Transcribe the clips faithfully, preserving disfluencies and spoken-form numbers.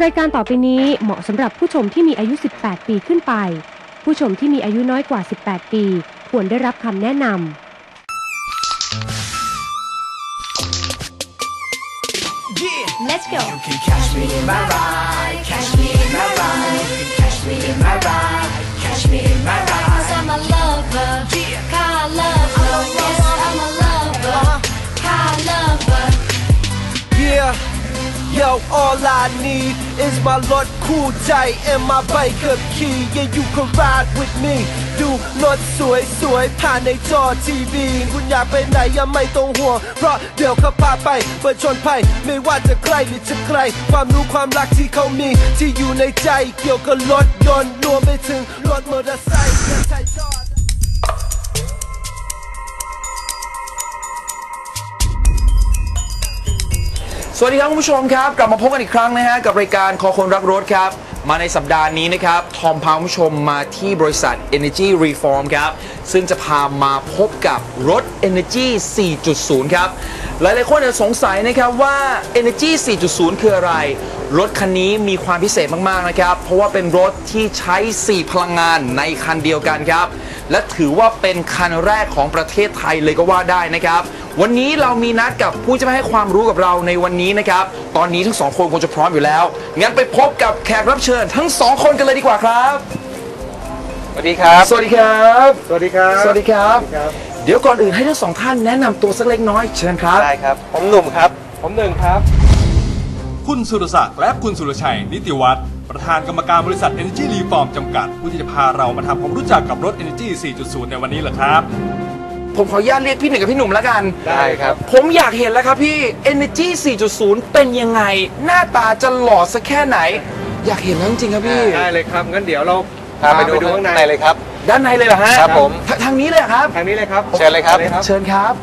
รายการต่อไปนี้เหมาะสำหรับผู้ชมที่มีอายุสิบแปดปีขึ้นไปผู้ชมที่มีอายุน้อยกว่าสิบแปดปีควรได้รับคำแนะนำ Let's go. You can catch me in my ride, catch me in my ride. You can catch me in my ride, catch me in my ride. 'Cause I'm a lover, car lover. Yes, I'm a lover, car lover. Yeah, yo, all I need is my รถคู่ใจ and my bike ขับขี่ Yeah, you can ride with me. ดูรถสวยๆผ่านในจอทีวีคุณอยากไปไหนยังไม่ต้องห่วงเพราะเดี๋ยวเขาพาไปเปิดชนภัยไม่ว่าจะใกล้หรือจะไกลความรู้ความรักที่เขามีที่อยู่ในใจเกี่ยวกับรถยนต์รวมไปถึงรถมอเตอร์ไซค์และใช้จอดสวัสดีครับคุณผู้ชมครับกลับมาพบกันอีกครั้งนะฮะกับรายการคอคนรักรถครับมาในสัปดาห์นี้นะครับทอมพาคุณผู้ชมมาที่บริษัท Energy Reform ครับซึ่งจะพามาพบกับรถ Energy สี่จุดศูนย์ ครับหลายๆคนจะสงสัยนะครับว่า Energy สี่จุดศูนย์ คืออะไรรถคันนี้มีความพิเศษมากๆนะครับเพราะว่าเป็นรถที่ใช้สี่พลังงานในคันเดียวกันครับและถือว่าเป็นคันแรกของประเทศไทยเลยก็ว่าได้นะครับวันนี้เรามีนัดกับผู้จะมาให้ความรู้กับเราในวันนี้นะครับตอนนี้ทั้งสองคนคงจะพร้อมอยู่แล้วงั้นไปพบกับแขกรับเชิญทั้งสองคนกันเลยดีกว่าครับสวัสดีครับสวัสดีครับสวัสดีครับสวัสดีครับเดี๋ยวก่อนอื่นให้ทั้งสองท่านแนะนำตัวสักเล็กน้อยเชิญครับได้ครับผมหนุ่มครับผมหนึ่งครับคุณสุรศักดิ์และคุณสุรชัยนิติวัฒน์ประธานกรรมการบริษัท Energy Reform จำกัดผู้ที่จะพาเรามาทำความรู้จักกับรถ Energy สี่จุดศูนย์ ในวันนี้แหละครับผมขออนุญาตเรียกพี่หนึ่งกับพี่หนุ่มแล้วกันได้ครับผมอยากเห็นแล้วครับพี่ Energy สี่จุดศูนย์ เป็นยังไงหน้าตาจะหล่อสักแค่ไหนอยากเห็นแล้วจริงๆครับพี่ได้เลยครับงั้นเดี๋ยวเราพาไปดูข้างในเลยครับด้านในเลยเหรอฮะครับผมทางนี้เลยครับทางนี้เลยครับเชิญเลยครับเชิญครับ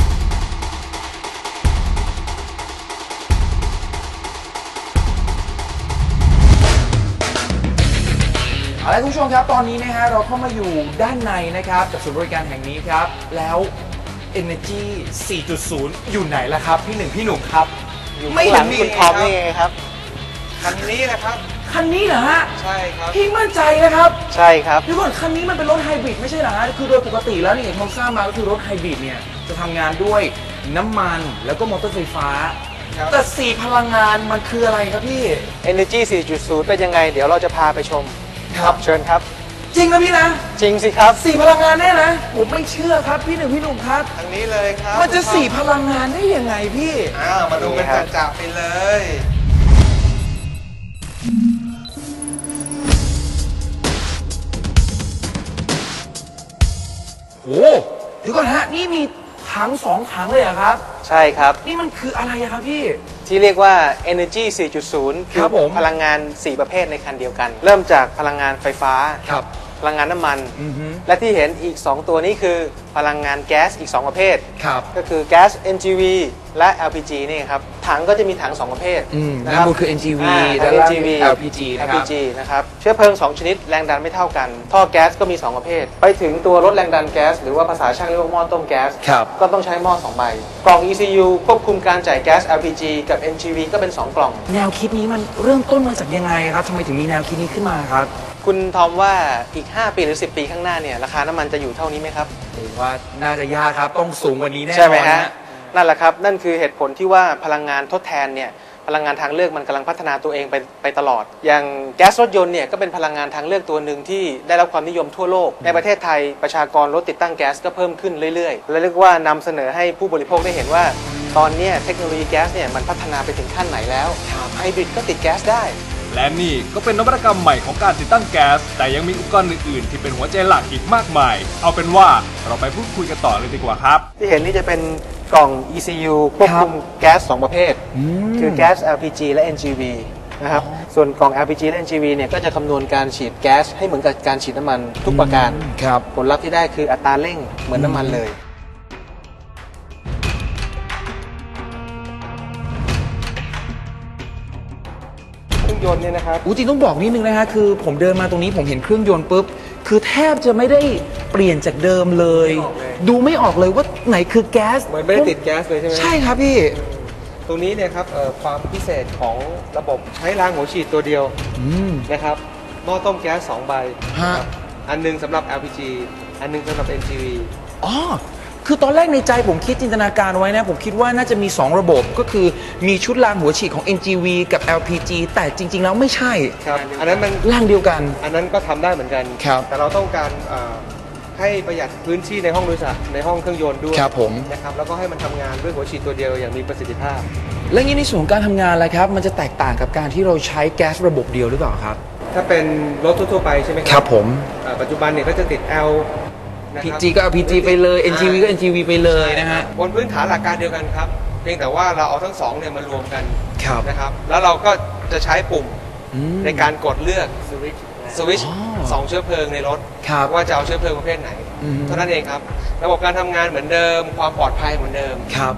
เอาละคุณผู้ชมครับตอนนี้นะฮะเราเข้ามาอยู่ด้านในนะครับกับศูนย์บริการแห่งนี้ครับแล้ว Energy สี่จุดศูนย์ อยู่ไหนล่ะครับพี่หนึ่งพี่หนุ่มครับไม่เห็นมีคุณทอมนี่ไงครับคันนี้นะครับคันนี้เหรอฮะใช่ครับพี่มั่นใจนะครับใช่ครับพี่ก่อนคันนี้มันเป็นรถไฮบริดไม่ใช่เหรอฮะคือโดยปกติแล้วนี่ผมทราบมาก็คือรถไฮบริดเนี่ยจะทำงานด้วยน้ำมันแล้วก็มอเตอร์ไฟฟ้าแต่สี่พลังงานมันคืออะไรครับพี่ Energy สี่จุดศูนย์ เป็นยังไงเดี๋ยวเราจะพาไปชมครับเชิญครับจริงนะพี่นะจริงสิครับสี่พลังงานแน่นะผมไม่เชื่อครับพี่หนึ่งพี่หนุ่มครับทางนี้เลยครับมันจะสี่พลังงานได้ยังไงพี่อ้าวมาดูกันจับๆไปเลยโอ้เดี๋ยวก่อนฮะนี่มีถังสองถังเลยเหรอครับใช่ครับนี่มันคืออะไรครับพี่ที่เรียกว่า Energy สี่จุดศูนย์ คือพลังงานสี่ประเภทในคันเดียวกันเริ่มจากพลังงานไฟฟ้าพลังงานน้ำมันและที่เห็นอีกสองตัวนี้คือพลังงานแก๊สอีกสองประเภทก็คือแก๊ส เอ็น จี วี และ แอล พี จี นี่ครับถังก็จะมีถังสองประเภทนะครับคือ เอ็น จี วี และ แอล พี จีนะครับเชื้อเพลิงสองชนิดแรงดันไม่เท่ากันท่อแก๊สก็มีสองประเภทไปถึงตัวลดแรงดันแก๊สหรือว่าภาษาช่างเรียกว่าหม้อต้มแก๊สก็ต้องใช้หม้อสองใบกล่อง อี ซี ยู ควบคุมการจ่ายแก๊ส แอล พี จี กับ เอ็น จี วี ก็เป็นสองกล่องแนวคิดนี้มันเริ่มต้นมาจากยังไงครับทำไมถึงมีแนวคิดนี้ขึ้นมาครับคุณทอมว่าอีกห้าปีหรือสิบปีข้างหน้าเนี่ยราคาน้ำมันจะอยู่เท่านี้ไหมครับผมว่าน่าจะยากครับต้องสูงกว่านี้แน่นอนใช่ไหมฮะนั่นแหละครับนั่นคือเหตุผลที่ว่าพลังงานทดแทนเนี่ยพลังงานทางเลือกมันกำลังพัฒนาตัวเองไปไปตลอดอย่างแก๊สรถยนต์เนี่ยก็เป็นพลังงานทางเลือกตัวหนึ่งที่ได้รับความนิยมทั่วโลกในประเทศไทยประชากรรถติดตั้งแก๊สก็เพิ่มขึ้นเรื่อยๆและเรียกว่านำเสนอให้ผู้บริโภคได้เห็นว่าตอนนี้เทคโนโลยีแก๊สเนี่ยมันพัฒนาไปถึงขั้นไหนแล้วไฮบริดก็ติดแก๊สได้และนี่ก็เป็นนวัตกรรมใหม่ของการติดตั้งแก๊สแต่ยังมีอุปกรณ์อื่นๆที่เป็นหัวใจหลักอีกมากมายเอาเป็นว่าเราไปพูดคุยกันต่อเลยดีกว่าครับที่เห็นนี่จะเป็นกล่อง อี ซี ยู ควบคุมแก๊สสองประเภทคือแก๊ส แอล พี จี และ เอ็น จี วี นะครับส่วนกล่อง แอล พี จี และ เอ็น จี วี เนี่ยก็จะคำนวณการฉีดแก๊สให้เหมือนกับการฉีดน้ำมันทุกประการผลลัพธ์ที่ได้คืออัตราเร่งเหมือนน้ำมันเลยเครื่องยนต์เนี่ยนะครับจริงต้องบอกนิดนึงนะฮะคือผมเดินมาตรงนี้ผมเห็นเครื่องยนต์ปุ๊บคือแทบจะไม่ได้เปลี่ยนจากเดิมเลยดูไม่ออกเลยว่าไหนคือแก๊สมันไม่ได้ติดแก๊สเลยใช่ไหมใช่ครับพี่ตรงนี้เนี่ยครับเอ่อความพิเศษของระบบใช้รางหัวฉีดตัวเดียวอืมนะครับหม้อต้มแก๊สสองใบฮะครับอันหนึงสำหรับ แอล พี จี อันหนึงสำหรับ เอ็น จี วีอ๋อ คือตอนแรกในใจผมคิดจินตนาการไว้นะ ผมคิดว่าน่าจะมี สอง ระบบ ก็คือมีชุดรางหัวฉีดของ เอ็น จี วี กับ แอล พี จี แต่จริง ๆ แล้วไม่ใช่ครับอันนั้นมันร่างเดียวกันอันนั้นก็ทำได้เหมือนกันครับแต่เราต้องการเอ่อให้ประหยัดพื้นที่ในห้องโดยสารในห้องเครื่องยนต์ด้วยครับผมนะครับแล้วก็ให้มันทำงานด้วยหัวฉีดตัวเดียวอย่างมีประสิทธิภาพแล้วงี้ในส่วนของการทำงานอะไรครับ มันจะแตกต่างกับการที่เราใช้แก๊สระบบเดียวหรือเปล่าครับถ้าเป็นรถทั่วๆไปใช่ไหมคครัรับผมเอ่อปัจจุบันเนี่ยก็จะติด L นะพีครับจี ก็ พี จี ไปเลย เอ็น จี วี ก็ เอ็น จี วี ไปเลยนะฮะบนพื้นฐานหลักการเดียวกันครับ เพียงแต่ว่าเราเอาทั้งสองเนี่ยมารวมกันครับนะครับ แล้วเราก็จะใช้ปุ่มอืมในการกดเลือกสวิตช์สวิตช์อ๋อสองเชื้อเพลิงในรถครับว่าจะเอาเชื้อเพลิงประเภทไหนอืมเท่านั้นเองครับ ระบบการทำงานเหมือนเดิม ความปลอดภัยเหมือนเดิมครับ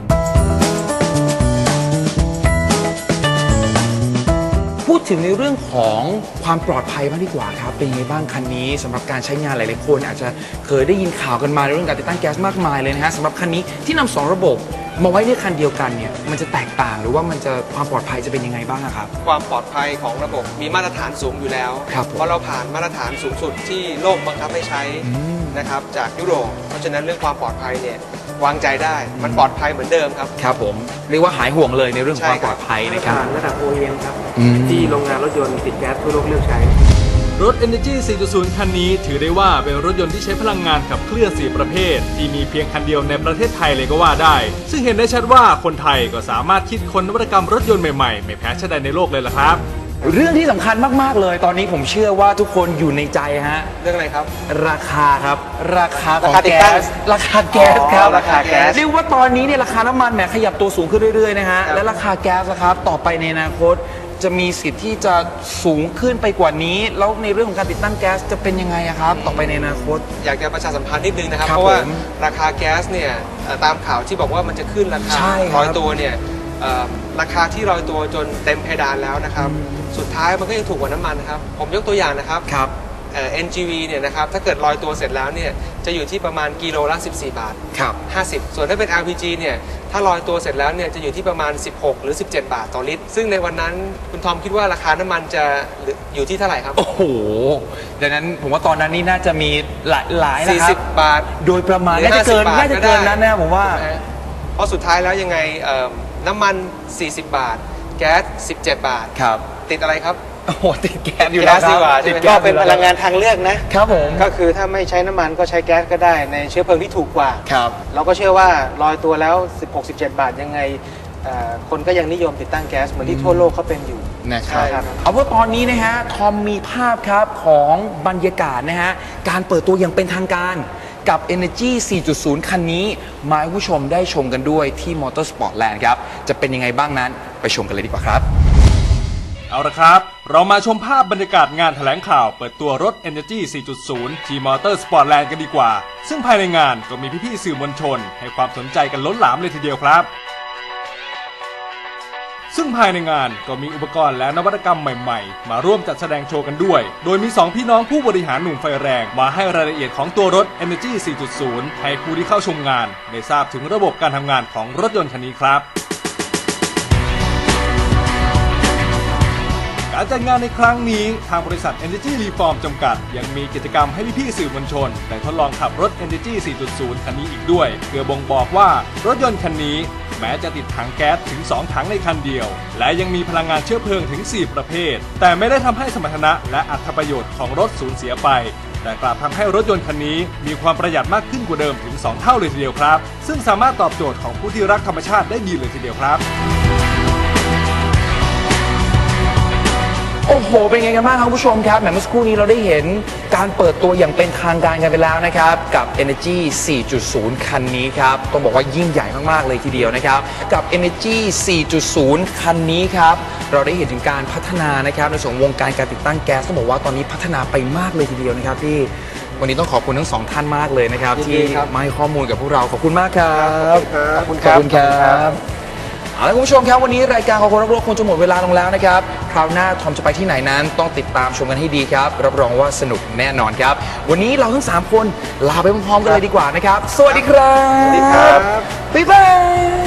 พูดถึงในเรื่องของความปลอดภัยบ้างดีกว่าครับ เป็นยังไงบ้างคันนี้สำหรับการใช้งานหลายๆคนอาจจะเคยได้ยินข่าวกันมาในเรื่องการติดตั้งแก๊สมากมายเลยนะฮะสำหรับคันนี้ที่นำสองระบบมาไว้ในคันเดียวกันเนี่ยมันจะแตกต่างหรือว่ามันจะความปลอดภัยจะเป็นยังไงบ้างอะครับความปลอดภัยของระบบมีมาตรฐานสูงอยู่แล้วครับผมเพราะเราผ่านมาตรฐานสูงสุดที่โลกบังคับให้ใช้อืมนะครับจากยุโรป เพราะฉะนั้นเรื่องความปลอดภัยเนี่ยวางใจได้ มันปลอดภัยเหมือนเดิมครับครับผมเรียกว่าหายห่วงเลยในเรื่องของความใช่ปคลรัอบ ดภัยนะครับระดับ โอ อี เอ็ม ครับอืมที่โรงงานรถยนต์ติดแก๊สทั่วโลกเลือกใช้รถ Energy สี่จุดศูนย์ คันนี้ถือได้ว่าเป็นรถยนต์ที่ใช้พลังงานขับเคลื่อนสี่ประเภท ที่มีเพียงคันเดียวในประเทศไทยเลยก็ว่าได้ ซึ่งเห็นได้ชัดว่าคนไทยก็สามารถคิดค้นนวัตกรรมรถยนต์ใหม่ๆ ไม่แพ้ชาติใดในโลกเลยล่ะครับเรื่องที่สำคัญมากๆเลย ตอนนี้ผมเชื่อว่าทุกคนอยู่ในใจฮะเรื่องอะไรครับราคาครับ ราคาของราคาติดแก๊ตั้งสราคาแก๊สครับอ๋อราคาแก๊สเรียกว่าตอนนี้เนี่ยราคาน้ำมันแหมขยับตัวสูงขึ้นเรื่อยๆนะฮะครับและราคาแก๊สนะครับต่อไปในอนาคตจะมีสิทธิ์ที่จะสูงขึ้นไปกว่านี้ แล้วในเรื่องของการติดตั้งแก๊สจะเป็นยังไงอะครับ ต่อไปในอนาคตอยากจะประชาสัมพันธ์นิดนึงนะครับครับเพราะว่าผมราคาแก๊สเนี่ยเอ่อตามข่าวที่บอกว่ามันจะขึ้นราคาใช่ครับร้อยตัวเนี่ยเอ่อราคาที่ร้อยตัวจนเต็มเพดานแล้วนะครับ สุดท้ายมันก็ยังถูกกว่าน้ำมันนะครับ ผมยกตัวอย่างนะครับครับเอ่อ เอ็น จี วี เนี่ยนะครับถ้าเกิดลอยตัวเสร็จแล้วเนี่ยจะอยู่ที่ประมาณกิโลละสิบสี่บาทครับห้าสิบ ส่วนถ้าเป็น แอล พี จี เนี่ยถ้าลอยตัวเสร็จแล้วเนี่ยจะอยู่ที่ประมาณสิบหกหรือสิบเจ็ดบาทต่อลิตร ซึ่งในวันนั้นคุณทอมคิดว่าราคาน้ำมันจะอยู่ที่เท่าไหร่ครับโอ้โหดังนั้นผมว่าตอนนั้นนี่น่าจะมีหลายหลายนะสี่ครัสิบบบาทโดยประมาณหรือน่าจะเกินห้าสิบบาทน่าจะเกินก็ได้นั้นนะผมว่านะฮะเพราะสุดท้ายแล้วยังไงเอ่อน้ำมันสี่สิบบาท แก๊สสิบเจ็ดบาทครับติดอะไรครับโอ้โหติดแก๊สอยู่แก๊แล้วสคดีรับกว่าติดใช่ไหมแก๊ก็สเป็นอยู่พแล้วลังงานทางเลือกนะครับผมก็คือถ้าไม่ใช้น้ำมันก็ใช้แก๊สก็ได้ในเชื้อเพลิงที่ถูกกว่าครับเราก็เชื่อว่าลอยตัวแล้ว สิบหก สิบเจ็ด บาทยังไงเอ่อคนก็ยังนิยมติดตั้งแก๊สเหมือนที่ทั่วโลกเขาเป็นอยู่นะครับใช่ครับเอาว่าตอนนี้นะฮะทอมมีภาพครับของบรรยากาศนะฮะการเปิดตัวอย่างเป็นทางการกับ Energy สี่จุดศูนย์ คันนี้มาให้ผู้ชมได้ชมกันด้วยที่ Motorsportland ครับจะเป็นยังไงบ้างนั้นไปชมกันเลยดีกว่าครับเอาละครับ เรามาชมภาพบรรยากาศงานแถลงข่าวเปิดตัวรถ Energy สี่จุดศูนย์ ที่ Motorsportland กันดีกว่า ซึ่งภายในงานก็มีพี่ๆสื่อมวลชน ให้ความสนใจกันล้นหลามเลยทีเดียวครับ ซึ่งภายในงานก็มีอุปกรณ์และนวัตกรรมใหม่ๆ มาร่วมจัดแสดงโชว์กันด้วย โดยมีสองพี่น้องผู้บริหารหนุ่มไฟแรงมาให้รายละเอียดของตัวรถ Energy สี่จุดศูนย์ ให้ผู้ที่เข้าชมงานได้ทราบถึงระบบการทำงานของรถยนต์คันนี้ครับ การจัดงานในครั้งนี้ทางบริษัท Energy Reform จำกัดยังมีกิจกรรมให้พี่ๆสื่อมวลชนได้ทดลองขับรถ Energy สี่จุดศูนย์ คันนี้อีกด้วยเพื่อบ่งบอกว่ารถยนต์คันนี้แม้จะติดถังแก๊สถึงสองถังในคันเดียวและยังมีพลังงานเชื้อเพลิงถึงสี่ประเภทแต่ไม่ได้ทำให้สมรรถนะและอรรถประโยชน์ของรถสูญเสียไปแต่กลับทำให้รถยนต์คันนี้มีความประหยัดมากขึ้นกว่าเดิมถึงสองเท่าเลยทีเดียวครับซึ่งสามารถตอบโจทย์ของผู้ที่รักธรรมชาติได้ดีเลยทีเดียวครับโอ้โห เป็นไงกันบ้างครับคุณผู้ชมครับแหมเมื่อสักครู่นี้เราได้เห็นการเปิดตัวอย่างเป็นทางการกันไปแล้วนะครับกับ Energy สี่จุดศูนย์ คันนี้ครับต้องบอกว่ายิ่งใหญ่มากๆเลยทีเดียวนะครับกับ Energy สี่จุดศูนย์ คันนี้ครับเราได้เห็นถึงการพัฒนานะครับในส่วนวงการการติดตั้งแก๊สต้องบอกว่าตอนนี้พัฒนาไปมากเลยทีเดียวนะครับพี่วันนี้ต้องขอบคุณทั้งสองท่านมากเลยนะครับยินที่ดีครับมาให้ข้อมูลกับพวกเราขอบคุณมากครับขอบคุณขคอบรับคุณครับเอาละคุณผู้ชมครับวันนี้รายการของคนรักรถคงจะหมดเวลาลงแล้วนะครับคราวหน้าทอมจะไปที่ไหนนั้นต้องติดตามชมกันให้ดีครับรับรองว่าสนุกแน่นอนครับวันนี้เราทั้งสามคนลาไปพร้อมๆกันเลยดีกว่านะครับสวัสดีครับสวัสดีครับบ๊ายบาย